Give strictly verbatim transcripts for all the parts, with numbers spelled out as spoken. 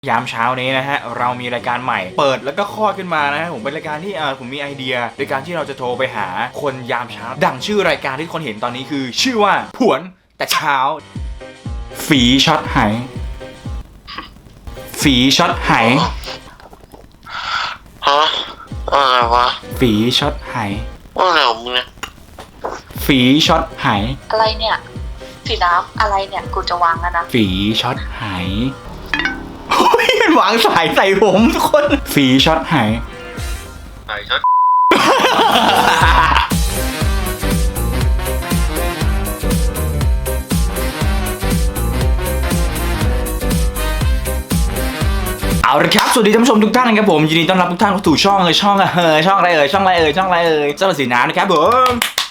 ยามเช้านี้นะฮะเรามีรายการใหม่เปิดแล้วก็คลอดขึ้นมานะฮะผมเป็นรายการที่ผมมีไอเดียในการที่เราจะโทรไปหาคนยามเช้าดังชื่อรายการที่คนเห็นตอนนี้คือชื่อว่าผวนแต่เช้าฝีช็อตไหฝีช็อตไหฮะอะไรวะฝีช็อตไหว่าอะไรของมึงเนี่ยฝีช็อตไหอะไรเนี่ยสีน้ำอะไรเนี่ยกูจะวางแล้วนะฝีช็อตไหมันวางสายใส่ผมทุกคนฝีช็อตไหสายช็อตเอาละครับสวัสดีท่านผู้ชมทุกท่านนะครับผมยินดีต้อนรับทุกท่านเข้าสู่ช่องเลยช่องเออช่องอะไรเอ่ยช่องอะไรเอ่ยช่องอะไรเอ่ยช่องสีน้ำนะครับผม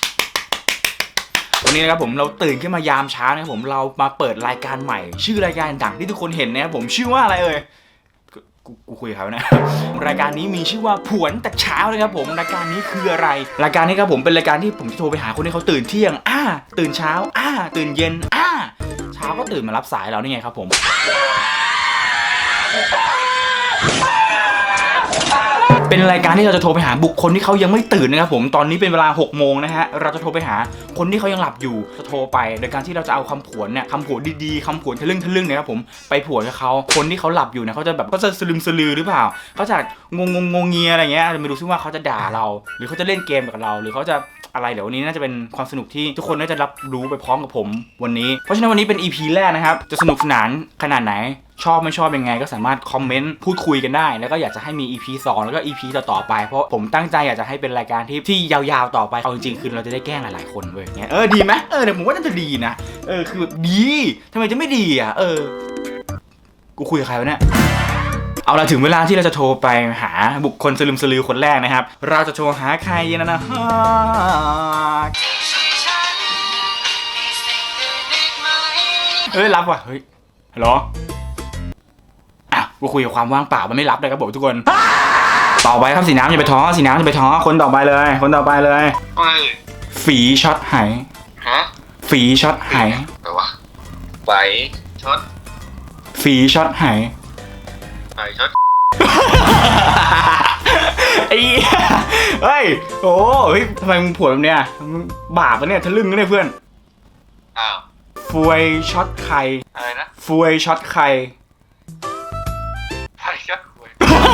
วันนี้นะครับผมเราตื่นขึ้นมายามเช้านะครับผมเรามาเปิดรายการใหม่ชื่อรายการดังที่ทุกคนเห็นนะครับผมชื่อว่าอะไรเอ่ยกูกูคุยกับเขานะรายการนี้มีชื่อว่าผวนแต่เช้านะครับผมรายการนี้คืออะไรรายการนี้ครับผมเป็นรายการที่ผมจะโทรไปหาคนที่เขาตื่นเที่ยงอ่าตื่นเช้าอ่าตื่นเย็นอ่าเช้าก็ตื่นมารับสายเรานี่ไงครับผมเป็นรายการที่เราจะโทรไปหาบุคคลที่เขายังไม่ตื่นนะครับผมตอนนี้เป็นเวลาหกโมงนะฮะเราจะโทรไปหาคนที่เขายังหลับอยู่จะโทรไปโดยการที่เราจะเอาคำผวนเนี่ยคำผวนดีๆคำผวนทะลึ่งทะลึ่งนะครับผมไปผวนกับเขาคนที่เขาหลับอยู่เนี่ยเขาจะแบบเขาจะสลึมสลือหรือเปล่าเขาจะงงงงงเงียอะไรเงี้ยไม่รู้ซิว่าเขาจะด่าเราหรือเขาจะเล่นเกมกับเราหรือเขาจะอะไรเดี๋ยววันนี้น่าจะเป็นความสนุกที่ทุกคนน่าจะรับรู้ไปพร้อมกับผมวันนี้เพราะฉะนั้นวันนี้เป็น อี พี แรกนะครับจะสนุกสนานขนาดไหนชอบไม่ชอบยังไงก็สามารถคอมเมนต์พูดคุยกันได้แล้วก็อยากจะให้มี อี พี สองแล้วก็ อี พี ต่อๆไปเพราะผมตั้งใจอยากจะให้เป็นรายการที่ที่ยาวๆต่อไปเอาจริงๆคือเราจะได้แกล้งหลายๆคนเว้ยเงี้ยเออดีไหมเออเดี๋ยวผมว่าน่าจะดีนะเออคือแบบดีทำไมจะไม่ดีอ่ะเออกูคุยกับใครวะเนี่ยเอาละถึงเวลาที่เราจะโทรไปหาบุคคลสลึมสลือคนแรกนะครับเราจะโทรหาใครนะนะเฮ้ยรับว่ะเฮ้ยฮัลโหลอ่ะกูคุยกับความว่างเปล่ามันไม่รับเลยครับผมทุกคนต่อไปครับสีน้ำอย่าไปท้อสีน้ำอย่าไปท้อคนต่อไปเลยคนต่อไปเลยฝีช็อตไหฮะฝีช็อตไหอะไรวะไฟช็อตฝีช็อตไหไฟช็อตไอ้เฮ้ยโอ้เฮ้ยทำไมมึงผวนแบบเนี้ยบาปปะเนี่ยทะลึ่งนะเนี่ยเพื่อนอ้าวฟวยช็อตไข่อะไรนะฟวยช็อตไข่ไฟช็อตไข่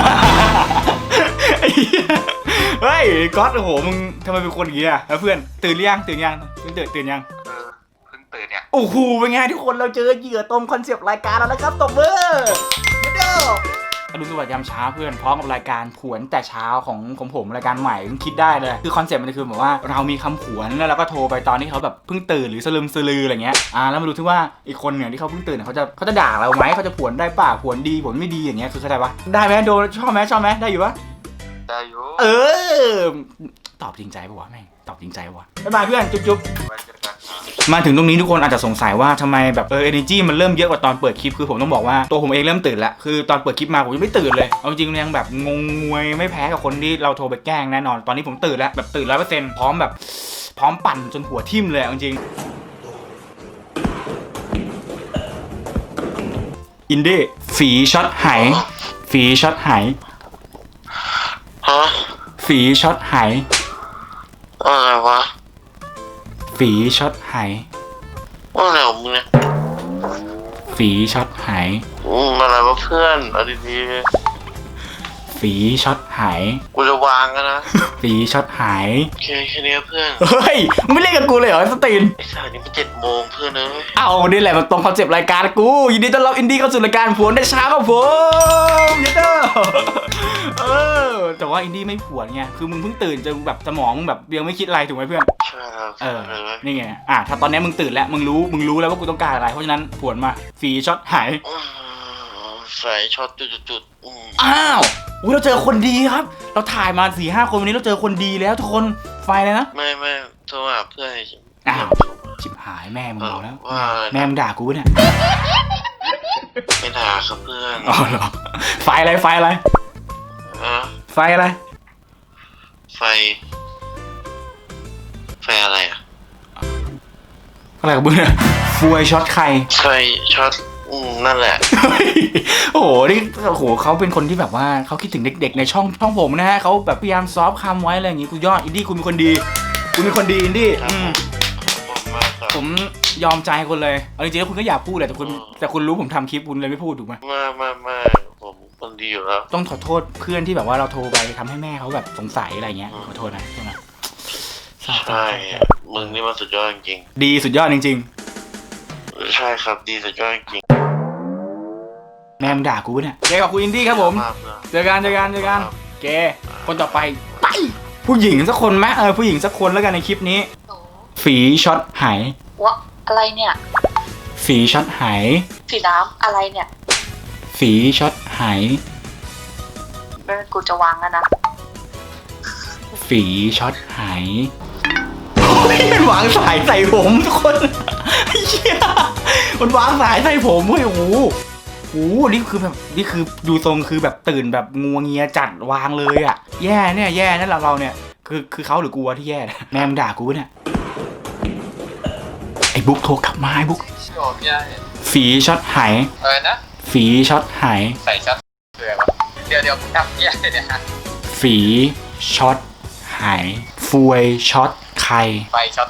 เฮ้ยก๊อตโอ้โหมึงทำไมเป็นคนอย่างเงี้ยเพื่อนตื่นหรือยังตื่นยังตื่นตื่นตื่นยังเออเพิ่งตื่นเนี่ยโอ้โหเป็นไงทุกคนเราเจอเหยื่อตรงคอนเซปต์รายการแล้วนะครับตบมือเด้ออรุณสวัสดิ์ยามเช้าเพื่อนพร้อมกับรายการผวนแต่เช้าของของผมรายการใหม่คิดได้เลยคือคอนเซ็ปต์มันคือแบบว่าเรามีคำผวนแล้วเราก็โทรไปตอนที่เขาแบบเพิ่งตื่นหรือสลึมสลืออะไรเงี้ยอ่าแล้วมาดูที่ว่าอีกคนเนี่ยที่เขาเพิ่งตื่นเขาจะเขาจะด่าเราไหมเขาจะผวนได้ป่ะผวนดีผวนไม่ดีอย่างเงี้ยคือเข้าใจปะได้ไหมโดนชอบไหมชอบไหมได้อยู่ปะได้อยู่เออตอบจริงใจปะวะแม่งตอบจริงใจปะวะบ๊ายบายเพื่อนจุ๊บจุ๊บมาถึงตรงนี้ทุกคนอาจจะสงสัยว่าทำไมแบบเออ energy มันเริ่มเยอะกว่าตอนเปิดคลิปคือผมต้องบอกว่าตัวผมเองเริ่มตื่นแล้วคือตอนเปิดคลิปมาผมยังไม่ตื่นเลยเอาจริงๆยังแบบงงงวยไม่แพ้กับคนที่เราโทรไปแกล้งแน่นอนตอนนี้ผมตื่นแล้วแบบตื่นร้อยเปอร์เซ็นต์พร้อมแบบพร้อมปั่นจนหัวทิ่มเลยเอาจริงอินดี้ฝีช็อตไหฝีช็อตไหฮะฝีช็อตไหอะไรวะฝีช็อตไหว่าอะไรของมึงเนี่ยฝีช็อตไหอืมอะไรวะเพื่อนเอาดีๆฝีช็อตไหกูจะวางกันนะฝีช็อตไหโอเคแค่นี้เพื่อนเฮ้ยมึงไม่เล่นกับกูเลยเหรอสตีนไอ้สายนี้มันเจ็ดโมงเพื่อนเอ้ยเอานี่แหละมันตรงคอนเซปต์รายการกูยินดีต้อนรับอินดี้เข้าสู่รายการผวนได้เช้าครับผมยินดีเออแต่ว่าอินดี้ไม่ผวนไงคือมึงเพิ่งตื่นจะแบบสมองมึงแบบยังไม่คิดอะไรถูกไหมเพื่อนใช่ครับเออนี่ไงอ่ะถ้าตอนนี้มึงตื่นแล้วมึงรู้มึงรู้แล้วว่ากูต้องการอะไรเพราะฉะนั้นผวนมาฝีช็อตหายใส่ช็อตจุดๆอ้าวอุ้ยเราเจอคนดีครับเราถ่ายมาสี่ห้าคนวันนี้เราเจอคนดีแล้วทุกคนไฟเลยนะไม่ไม่โทรหาเพื่อนอ้าวชิบหายแม่มึงเอาแล้วแม่มึงด่ากูเนี่ยไม่ด่าครับเพื่อนอ๋อเหรอไฟอะไรไฟอะไรไฟอะไรไฟไฟอะไรอะอะไรกับมึงเนี่ยฟวยช็อตไข่ไฟช็อตอืมนั่นแหละโอ้โหนี่โอ้โหเขาเป็นคนที่แบบว่าเขาคิดถึงเด็กๆในช่องช่องผมนะฮะเขาแบบพยายามซอฟต์คำไว้อะไรอย่างงี้กูยอดอินดี้คุณเป็นคนดีคุณเป็นคนดีอินดี้ครับอืมผมขอบคุณมากครับผมยอมใจคุณเลยเอาจริงๆแล้วคุณก็อยากพูดแหละแต่คุณอืมแต่คุณรู้ผมทำคลิปคุณเลยไม่พูดถูกไหมมามามาผมคนดีอยู่แล้วต้องขอโทษเพื่อนที่แบบว่าเราโทรไปทำให้แม่เขาแบบสงสัยอะไรเงี้ยอืมขอโทษนะใช่ไหมใช่ มึงนี่มันสุดยอดจริงดีสุดยอดจริงๆใช่ครับดีสุดยอดจริงๆแม่มึงด่ากูปะเนี่ยเจอกับคุณอินดี้ครับผมากเลยเจอกันเจอกันเจอกันเกคนต่อไปไปผู้หญิงสักคนไหมเออผู้หญิงสักคนแล้วกันในคลิปนี้หนูฝีช็อตหายวะอะไรเนี่ยฝีช็อตหายสีน้ำอะไรเนี่ยฝีช็อตหายไม่เป็นกูจะวางแล้วนะฝีช็อตหายโอ้ยมันวางสายใส่ผมทุกคนไอ้เหี้ยมันวางสายใส่ผมเว้ยโอ้โหโอ้โหนี่คือแบบนี่คือดูทรงคือแบบตื่นแบบงัวเงียจัดวางเลยอ่ะแย่เนี่ยแย่นั่นเราเราเนี่ยคือคือเขาหรือกูวะที่แย่นะแม่มึงด่ากูปะเนี่ยไอ้บุ๊กโทรกลับมาไอ้บุ๊กโอ้พี่ได้ฝีช็อตหายอะไรนะฝีช็อตหายใส่ชัดเสือวะเดี๋ยวเดี๋ยวผมทำพี่ได้เนี่ยฮะฝีช็อตหายฟวยช็อตใครไฟช็อต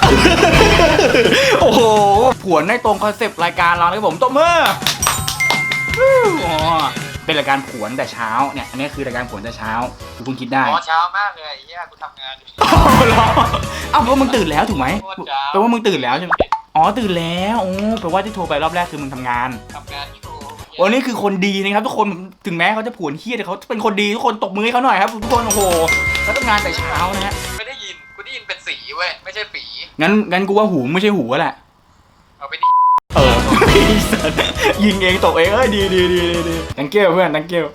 โอ้โหผวนได้ตรงคอนเซปต์รายการเรานะครับผมตบมือฮู้อ๋อเป็นรายการผวนแต่เช้าเนี่ยอันนี้คือรายการผวนแต่เช้ากูเพิ่งคิดได้อ๋อเช้ามากเลยไอ้เหี้ยกูทำงานอยู่อ้าวเหรออ้าวแปลว่ามึงตื่นแล้วถูกไหมโคตรเช้าแปลว่ามึงตื่นแล้วใช่ไหมอ๋อตื่นแล้วโอ้แปลว่าที่โทรไปรอบแรกคือมึงทำงานทำงานอยู่วันนี้คือคนดีนะครับทุกคนถึงแม้เขาจะผวนเฮี้ยแต่เขาเป็นคนดีทุกคนตบมือให้เขาหน่อยครับทุกคนโอ้โหแล้วทำงานแต่เช้านะฮะไม่ได้ยินกูได้ยินเป็นสีเว้ยไม่ใช่ฝีงั้นงั้นกูว่าหูไม่ใช่หูแหละเอาไปดิเออ ยิงเองตกเองเอ้ยดีดีดีดีดี thank you เพื่อน thank you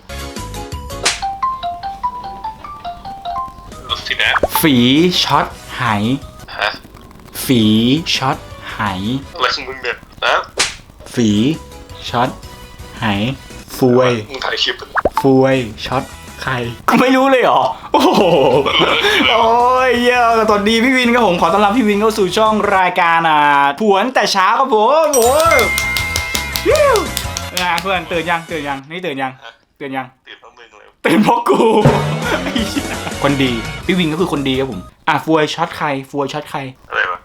รถสินะฝีช็อตหายฮะฝีช็อตหายอะไรของมึงเนี่ยนะฝีช็อตหายฟวยมึงถ่ายคลิปฟวยช็อตใครกูไม่รู้เลยเหรอโอ้โหโอ้ยเย้สวัสดีพี่วินครับผมขอต้อนรับพี่วินเข้าสู่ช่องรายการอ่าผวนแต่เช้าครับผมโอ้ยฮิวอ่ะเพื่อนตื่นยังตื่นยังนี่ตื่นยังตื่นยังตื่นเพราะมึงเลยเป็นเพราะกูไอ้เหี้ยคนดีพี่วินก็คือคนดีครับผมอ่ะฟวยช็อตใครฟวยช็อตใครอะไรวะ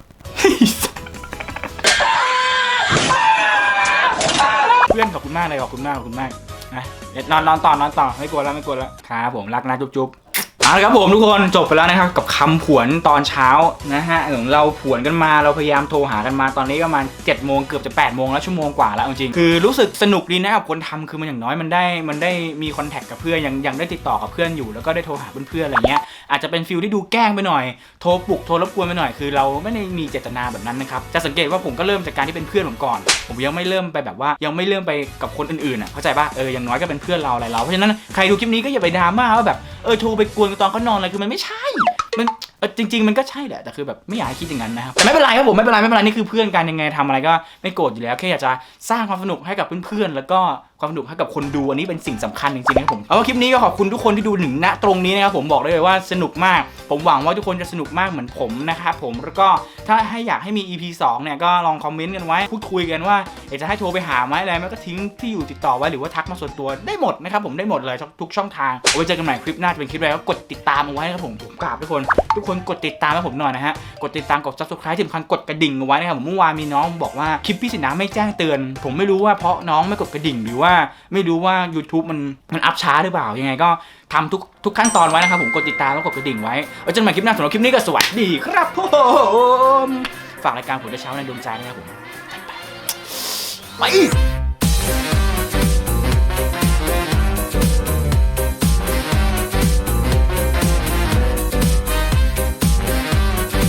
เพื่อนขอบคุณมากเลยขอบคุณมากขอบคุณมากนะเดี๋ยวนอนนอนต่อนอนต่อไม่กลัวแล้วไม่กลัวแล้วครับผมรักนะจุ๊บจุ๊บเอาละครับผมทุกคนจบไปแล้วนะครับกับคำผวนตอนเช้านะฮะของเราผวนกันมาเราพยายามโทรหากันมาตอนนี้ก็ประมาณเจ็ดโมงเกือบจะแปดโมงแล้วชั่วโมงกว่าแล้วจริงๆคือรู้สึกสนุกดีนะครับคนทำคือมันอย่างน้อยมันได้มันได้มีคอนแทคกับเพื่อนยังยังได้ติดต่อกับเพื่อนอยู่แล้วก็ได้โทรหาเพื่อนๆอะไรเงี้ยอาจจะเป็นฟิลที่ดูแกล้งไปหน่อยโทรปลุกโทรรบกวนไปหน่อยคือเราไม่ได้มีเจตนาแบบนั้นนะครับจะสังเกตว่าผมก็เริ่มจากการที่เป็นเพื่อนผมก่อนผมยังไม่เริ่มไปแบบว่ายังไม่เริ่มไปกับคนอื่นๆอ่ะเข้าใจป่ะเอออย่างน้อยก็เป็นเพื่อนเราอะไรเราเพราะฉะนั้นใครดูคลิปนี้ก็อย่าไปดราม่าว่าแบบเออโทรไปกวนตอนเขานอนอะไรคือมันไม่ใช่มันเออจริง ๆมันก็ใช่แหละแต่คือแบบไม่อยากให้คิดอย่างนั้นนะครับแต่ไม่เป็นไรครับผมไม่เป็นไรไม่เป็นไรนี่คือเพื่อนกันยังไงทำอะไรก็ไม่โกรธอยู่แล้วแค่อยากจะสร้างความสนุกให้กับเพื่อนๆแล้วก็ความสนุกให้กับคนดูอันนี้เป็นสิ่งสำคัญจริงๆนะครับผมเอาว่าคลิปนี้ก็ขอบคุณทุกคนที่ดูถึงณตรงนี้นะครับผมบอกได้เลยว่าสนุกมากผมหวังว่าทุกคนจะสนุกมากเหมือนผมนะครับผมแล้วก็ถ้าให้อยากให้มี อี พี สองเนี่ยก็ลองคอมเมนต์กันไว้พูดคุยกันว่าอยากจะให้โทรไปหาไหมอะไรไหมก็ทิ้งที่อยู่ติดต่อไว้หรือว่าทักมาส่วนตัวได้หมดนะครับผมได้หมดเลยทุกช่องทางเอาไว้เจอกันใหม่คลิปหน้าจะเป็นคลิปอะไรก็กดติดตามเอาไว้นะครับผมผมกราบทุกคนทุกคนกดติดตามให้ผมหน่อยนะฮะกดติดตามกด Subscribe ที่สำคัญกดกระดิ่งเอาไว้นะครับผมเมื่อวานมีน้องบอกว่าคลิปพี่สินะไม่แจ้งเตือนผมไม่รู้ว่าเพราะน้องไม่กดกระดิ่งหรือว่าไม่รู้ว่า YouTube มันมันอัพช้าหรือเปล่ายังไงก็ทำทุกทุกขั้นตอนไว้นะครับผมกดติดตามแล้วกดกระดิ่งไว้ไว้เจอกันใหม่คลิปหน้าสำหรับคลิปนี้ก็สวัสดีครับผมฝากรายการผลเช้าในดวงใจนะครับผมไป